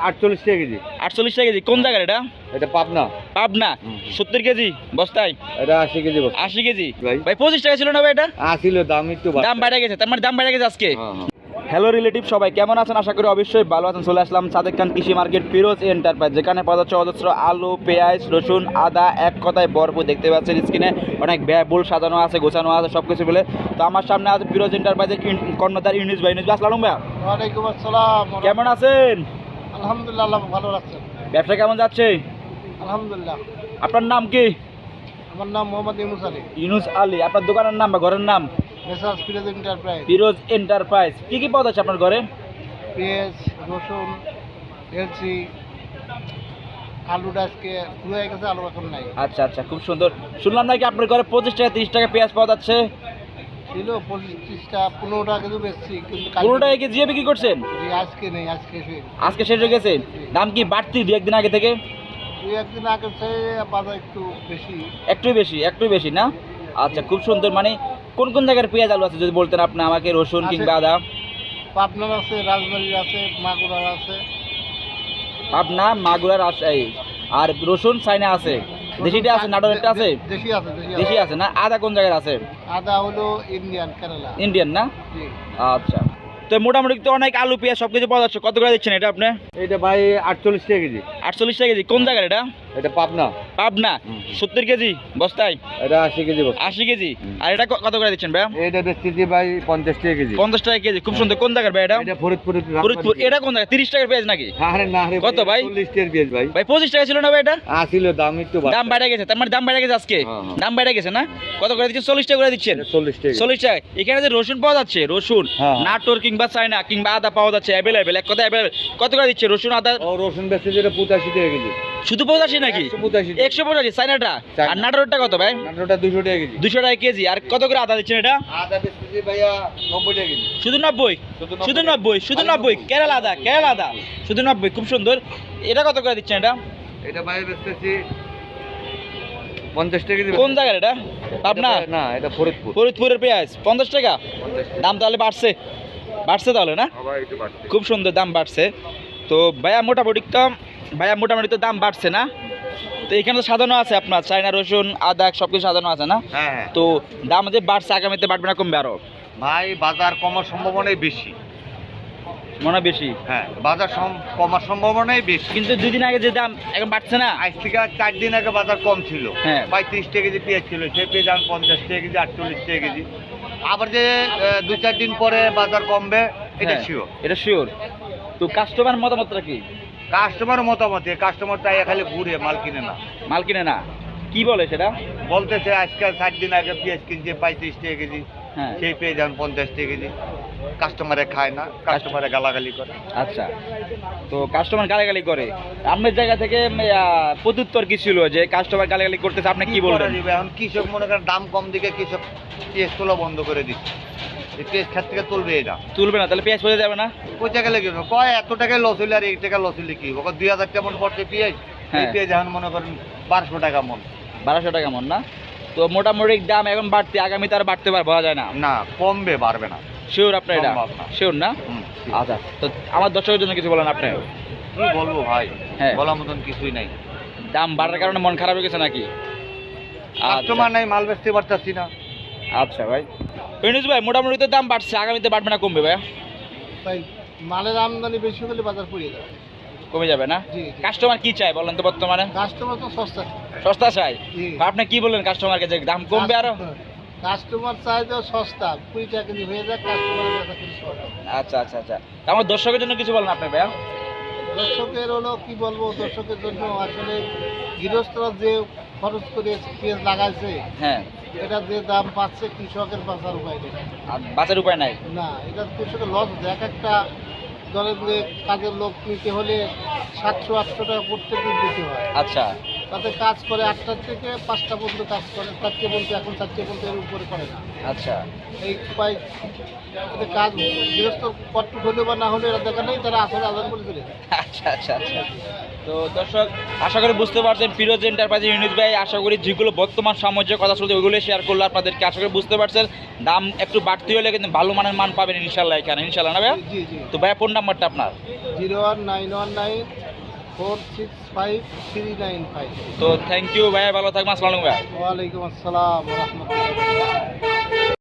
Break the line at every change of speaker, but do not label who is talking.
48 টাকা কেজি।
48 টাকা কেজি। কোন জায়গার এটা?
এটা পাবনা।
পাবনা। 70 কেজি বস্তায়?
এটা 80 কেজি বস্তা।
80 কেজি।
ভাই।
ভাই 25 টাকা ছিল না ভাই এটা?
ছিল, দাম একটু
দাম বেড়ে গেছে, তার মানে দাম বেড়ে গেছে আজকে।
হ্যাঁ।
হ্যালো রিলেটিভ, সবাই কেমন আছেন? আশা করি অবশ্যই ভালো আছেন। চলে আসলাম সাদেক খান কৃষি মার্কেট ফিরোজ এন্টারপ্রাইজ, যেখানে পাওয়া যাচ্ছে অজস্র আলু, পেঁয়াজ, রসুন, আদা, এক কথায় ভরপুর। দেখতে পাচ্ছেন স্ক্রিনে অনেক ব্যয়বহুল সাজানো আছে, গোছানো আছে সব কিছু বলে। তো আমার সামনে আছে ফিরোজ এন্টারপ্রাইজের কর্ণধার ইউনুস ভাই। ইউনুস ভাই, আসসালামু আলাইকুম ভাই।
ওয়ালাইকুম আসসালাম।
কেমন আছেন?
আলহামদুলিল্লাহ, আল্লাহ ভালো রাখছেন।
ব্যবসা কেমন যাচ্ছে?
আলহামদুলিল্লাহ।
আপনার নাম কি?
আমার নাম মোহাম্মদ ইউনুস আলী।
ইউনুস আলী। আপনার দোকানের নাম বা ঘরের নাম?
Messrs Firoz enterprise.
Firoz enterprise. কি কি পাওয়া যাচ্ছে আপনার ঘরে?
পেঁয়াজ, রসুন, এলসি, আলুটা আজকে পুরো হয়ে গেছে, আলু এখন নাই।
আচ্ছা আচ্ছা, খুব সুন্দর। শুনলাম নাকি আপনার ঘরে 25 টাকা 30 টাকা পেঁয়াজ পাওয়া যাচ্ছে?
ছিল 25টা, 15 টাকা কেজি বেচছি, কিন্তু
15 টাকা কেজি বিক্রি করছেন?
জি, আজকে নেই, আজকে শেষ।
আজকে শেষ হয়ে গেছে। দাম কি বাড়তি দু একদিন আগে থেকে?
দুই একদিন আগে চেয়ে বাজার একটু বেশি।
একটু বেশি না? আচ্ছা, খুব সুন্দর। মানে কোন কোন জায়গার পেঁয়াজ আলু আছে যদি বলতেন আপনি আমাকে, রসুন
আছে।
কিংবা আদা?
পাবনার আছে, রাজবাড়ির আছে, মাগুরার আছে।
পাবনা, মাগুরা, রাজশাহী। আর রসুন চাইনা আছে, দেশিটা আছে, নাটোরেরটা আছে?
দেশি আছে,
দেশি আছে না? আদা কোন জায়গার আছে?
আদা হলো ইন্ডিয়ান, কেরালা।
ইন্ডিয়ান না?
জি।
আচ্ছা, তো মোটামুটি তো অনেক আলু পেঁয়াজ সব কিছু পাওয়া যাচ্ছে। কত করে দিচ্ছেন এটা আপনি?
এটা ভাই 48 টাকা কেজি।
48 টাকা কেজি। কোন জায়গার এটা?
এটা পাবনা।
পাবনা। 70 কেজি বস্তায়?
এটা 80 কেজি বস্তা।
80 কেজি। আর এটা কত করে দিচ্ছেন ভাই?
এটা বেচতেছি ভাই 50 টাকা কেজি।
50 টাকা কেজি। খুব সুন্দর। কোন জায়গার ভাই এটা?
এটা ফরিদপুর।
ফরিদপুর। এটা কোন জায়গা? 30 টাকার পেঁয়াজ নাকি?
আরে না রে,
কত ভাই?
40 টাকার পেঁয়াজ ভাই।
ভাই 25 টাকা ছিল না ভাই এটা?
ছিল, দাম একটু
দাম বেড়ে গেছে, তার মানে দাম বেড়ে গেছে আজকে।
হ্যাঁ।
দাম বেড়ে গেছে না? কত করে দিচ্ছেন? 40 টাকা করে দিচ্ছেন?
40 টাকা।
40 টাকা। এখানে যে রসুন পাওয়া যাচ্ছে, রসুন
হ্যাঁ।
নাটোর কিংবা চায়না কিংবা আদা পাওয়া যাচ্ছে অ্যাভেলেবেল, এক কথা অ্যাভেলেবেল। কত করে দিচ্ছে রসুন আদা?
ও রসুন বেচতেছি এটা 85 টাকা কেজি।
শুধু 85 নাকি?
185।
185 চায়নাটা। আর নাটোরটা কত ভাই?
নাটোরটা 200 টাকা কেজি।
200 টাকা কেজি। আর কত করে আদা দিচ্ছেন এটা?
আদা বেচতেছি ভাইয়া 90 টাকা কেজি।
শুধু 90? শুধু 90? শুধু 90? কেরালা আদা, কেরালা আদা শুধু 90। খুব সুন্দর। এটা কত করে দিচ্ছেন এটা?
এটা ভাই বেচতেছি 50 টাকা কেজি।
কোন জায়গার এটা? পাবনা?
না, এটা ফরিদপুর।
ফরিদপুরের পেঁয়াজ 50 টাকা।
50 টাকা।
দাম তাহলে বাড়ছে তাহলে না?
ভাই একটু বাড়ছে।
খুব সুন্দর, দাম বাড়ছে। তো ভাইয়া মোটামুটি তো দাম বাড়ছে না? তো এখানে তো সাজানো আছে আপনার চায়না রসুন আদা সব কিছু সাজানো আছে না?
হ্যাঁ।
তো দাম যে বাড়ছে, আগামীতে বাড়বে না কমবে আরো?
ভাই বাজার কমার সম্ভাবনাই বেশি।
মনে হয় বেশি।
হ্যাঁ, বাজার কমার সম্ভাবনাই বেশি।
কিন্তু 2 দিন আগে যে দাম এখন বাড়ছে না?
আজ থেকে 4 দিন আগে বাজার কম ছিল।
হ্যাঁ।
35 টাকা কেজি পেঁয়াজ ছিল, সেই পেঁয়াজ এখন 50 টাকা কেজি, 48 টাকা কেজি। আবার যে 2-4 দিন পরে বাজার কমবে, এটা
হ্যাঁ,
শিওর।
এটা শিওর। তো কাস্টমার মতামতটা কি?
কাস্টমার মতামতে, কাস্টমার তাই খালি ঘুরে মাল কিনে না।
মাল কিনে না? কি বলে সেটা?
বলতেছে আজকাল 4 দিন আগে পেঁয়াজ কিনছে 35 টাকা কেজি,
হ্যাঁ।
সেই পেঁয়াজ এখন 50 টাকা কেজি। কাস্টমারে খায় না, কাস্টমারে গালাগালি করে।
আচ্ছা, তো কাস্টমার গালাগালি করে। আপনার জায়গা থেকে প্রত্যুত্তর কি ছিল যে কাস্টমার গালাগালি করতেছে, আপনি কি বলবেন?
করা যাবে? এখন কৃষক মনে করেন দাম কম দিকে কৃষক পেঁয়াজ তোলা বন্ধ করে দিচ্ছে। এই পেঁয়াজ খাত থেকে তুলবে এটা।
তুলবে না? তাহলে পেঁয়াজ পড়ে যাবে না?
কই টাকা লেগে কয় এত টাকায় লস হইলে আর এই টাকা লস হইলে কি? 2000 টাকা মন পড়ছে পেঁয়াজ। এই
হ্যাঁ।
পেঁয়াজ এখন মনে করেন 1200 টাকা মন।
1200 টাকা মন না? তো মোটামুটি দাম এখন বাড়তে, আগামীতে আর বাড়তে বলা যায় না?
না, কমবে, বাড়বে না।
শিওর আপনার এটা?
সম্ভব না।
শিওর না? আচ্ছা, তো আমার দর্শকের জন্য কিছু বলেন আপনি।
কি বলবো ভাই,
হ্যাঁ।
বলার মতন কিছুই নাই।
দাম বাড়ার কারণে মন খারাপ হয়ে গেছে নাকি?
কাস্টমার নাই, মাল বেচতে পারতাছি না।
আচ্ছা ভাই। ইউনুস ভাই, মোটামুটি তো দাম বাড়ছে, আগামীতে বাড়বে না কমবে ভাই?
তাই মালের আমদানি বেশি হলে বাজার পড়ে যাবে।
কমে যাবে না?
জি।
কাস্টমার কি চায় বলেন তো বর্তমানে?
কাস্টমার তো সস্তা।
সস্তা চাই?
জি।
আপনি কি বললেন কাস্টমারকে যে দাম কমবে আরো?
কাস্টমার চায় যে সস্তা, 20 টাকা কেজি হয়ে যায়, কাস্টমারের কাছে কিছু সস্তা।
আচ্ছা আচ্ছা আচ্ছা, তা আমার দর্শকের জন্য কিছু বলেন আপনি ভাইয়া।
দর্শকের হলো কি বলবো, দর্শকের জন্য আসলে গৃহস্থরা যে খরচ করে পেঁয়াজ লাগাইছে,
হ্যাঁ।
এটা যে দাম পাচ্ছে কৃষকের বাঁচার উপায় নেই।
আর বাঁচার উপায় নাই?
না, এটা কৃষকের লস হচ্ছে। এক একটা দলের যে কাজের লোক নিতে হলে 700-800 টাকা প্রত্যেক দিন দিতে হয়।
আচ্ছা
তাতে কাজ করে 8টা থেকে 5টা পর্যন্ত কাজ করে, 4টে বলতে এখন 4টে বলতে এর উপরে করে না।
আচ্ছা
এই উপায় এতে কাজ গৃহস্থ কট্টু হলে বা না হলে এরা দেখা নেই, তারা আসলে আদান বলে চলে যায়।
আচ্ছা আচ্ছা আচ্ছা। তো দর্শক, আশা করি বুঝতে পারছেন ফিরোজ এন্টারপ্রাইজের ইউনুস ভাই আশা করি যেগুলো বর্তমান সামঞ্জস্য কথা চলছে ওইগুলো শেয়ার করলো আপনাদেরকে। আশা করি বুঝতে পারছেন দাম একটু বাড়তি হলে কিন্তু ভালো মানের মান পাবেন ইনশাল্লাহ এখানে, ইনশাল্লাহ না ভাইয়া?
জি জি
তো ভাইয়া ফোন নাম্বারটা আপনার?
জি 01919465395।
তো থ্যাংক ইউ ভাইয়া, ভালো থাকবেন, আসসালামু আলাইকুম ভাইয়া।
ওয়ালাইকুম আসসালাম রহমতুল্লাহ।